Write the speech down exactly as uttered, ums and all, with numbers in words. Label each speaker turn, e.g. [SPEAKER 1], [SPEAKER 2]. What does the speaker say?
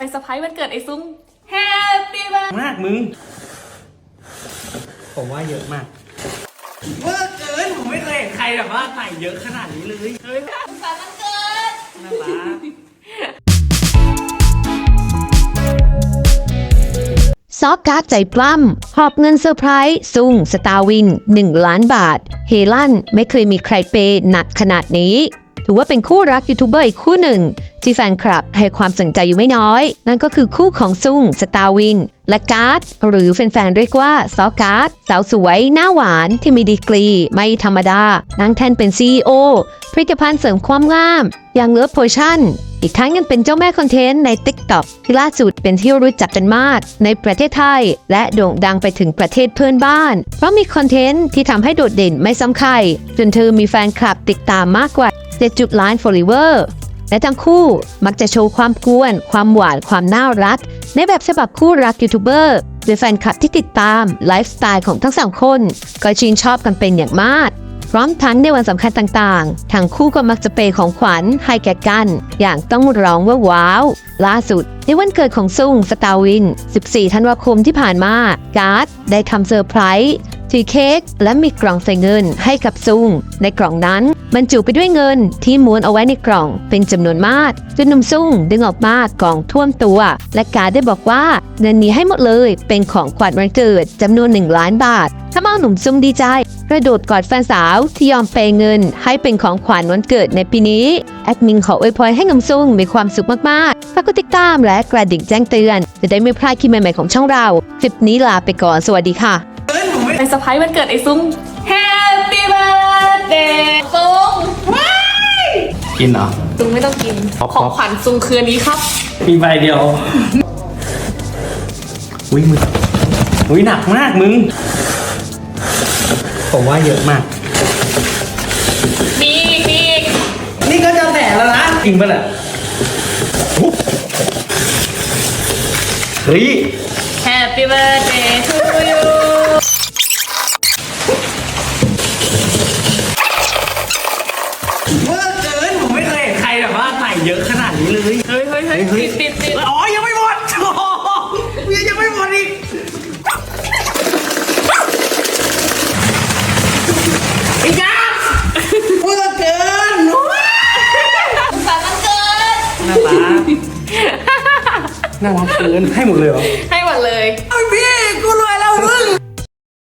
[SPEAKER 1] ไปเซอร์ไพรส์วันเกิดไอ้ซุ้งแฮปปี้เบิร์ด
[SPEAKER 2] มากมึงผมว่าเยอะมากเวอร์เกินผมไม่เคยเห็นใครแบบว่าใส่เยอะขนาดนี้เลยเฮ้ย
[SPEAKER 1] สุขสันต์วันเกิด
[SPEAKER 2] น่ารัก
[SPEAKER 3] ซอกการ์ดใจปล้ำหอบเงินเซอร์ไพรส์ซุงสตาร์วินหนึ่งล้านบาทเฮลั่นไม่เคยมีใครเปย์หนักขนาดนี้ถือว่าเป็นคู่รักยูทูบเบอร์อีกคู่หนึ่งที่แฟนคลับให้ความสนใจอยู่ไม่น้อย นั่นก็คือคู่ของซุงสตาร์วินและการ์ดหรือแฟนๆเรียกว่าซอการ์ดสาวสวยหน้าหวานที่มีดีกรีไม่ธรรมดานั่งแท่นเป็น ซี อี โอ ผลิตภัณฑ์เสริมความงามอย่างเลิฟโพชั่นอีกทั้งยังเป็นเจ้าแม่คอนเทนต์ใน ติ๊กต็อก ที่ล่าสุดเป็นที่รู้จักกันมากในประเทศไทยและโด่งดังไปถึงประเทศเพื่อนบ้านเพราะมีคอนเทนต์ที่ทำให้โดดเด่นไม่ซ้ำใครจนเธอมีแฟนคลับติดตามมากกว่าเจ็ดจุดล้าน followers และทั้งคู่มักจะโชว์ความกวนความหวานความน่ารักในแบบฉบับคู่รักยูทูบเบอร์โดยแฟนคลับที่ติดตามไลฟ์สไตล์ของทั้งสองคนก็ชื่นชอบกันเป็นอย่างมากพร้อมทั้งในวันสำคัญต่างๆทั้งคู่ก็มักจะเปย์ของขวัญให้แก่กันอย่างต้องร้องว่าว้าวล่าสุดในวันเกิดของซุงสตาร์วินสิบสี่ธันวาคมที่ผ่านมาการ์ดได้ทำเซอร์ไพรส์ถือเค้กและมีกล่องใส่เงินให้กับซุงในกล่องนั้นบรรจุไปด้วยเงินที่ม้วนเอาไว้ในกล่องเป็นจำนวนมากจนหนุ่มซุงดึงออกมากล่องท่วมตัวและการ์ดได้บอกว่าเงินนี้ให้หมดเลยเป็นของขวัญวันเกิดจำนวนหนึ่งล้านบาททำเอาหนุ่มซุงดีใจกระโดดกอดแฟนสาวที่ยอมเปย์เงินให้เป็นของขวัญวันเกิดในปีนี้แอดมินขออวยพรให้หนุ่มซุงมีความสุขมากๆฝากกดติดตามและกระดิ่งแจ้งเตือนจะได้ไม่พลาดคลิปใหม่ๆของช่องเราคลิปนี้ลาไปก่อนสวัสดีค่ะ
[SPEAKER 1] ไปเซอร์ไพรส์วันเกิดไอ้ซุ้งแฮปปี้เบิร์ดเดย์ซุ้งว้าย
[SPEAKER 2] กินเหรอ
[SPEAKER 1] ซุ้งไม่ต้องกิน
[SPEAKER 2] ครับ
[SPEAKER 1] ของขวัญซุ้งคืนนี้ครับ
[SPEAKER 2] มีใบเดียวอุ้ยมึงอุ้ยหนักมากมึงผมว่าเยอะมาก
[SPEAKER 1] มีอีกมีอีก
[SPEAKER 2] นี่ก็จะแตะแล้วนะจริงปะเนี่ยเฮ้ย
[SPEAKER 1] แฮปปี้เบิร์ดเดย์ทูยู
[SPEAKER 2] เวอร์เกินผมไม่เคยเห็นใครแบบว่าใส่เยอะขนาดนี้เลย
[SPEAKER 1] เฮ้ยเฮ้ยเฮ้ยปิดปิดปิด
[SPEAKER 2] อ๋อยังไม่หมดโอ้โหยังไม่หมดอีกอีกนะเวอร์เกิน
[SPEAKER 1] สุขสันต์วันเกิด
[SPEAKER 2] น่ารักน่ารักเกินให้หมดเลยเหรอ
[SPEAKER 1] ให้หมดเลย
[SPEAKER 2] ไอ้พี่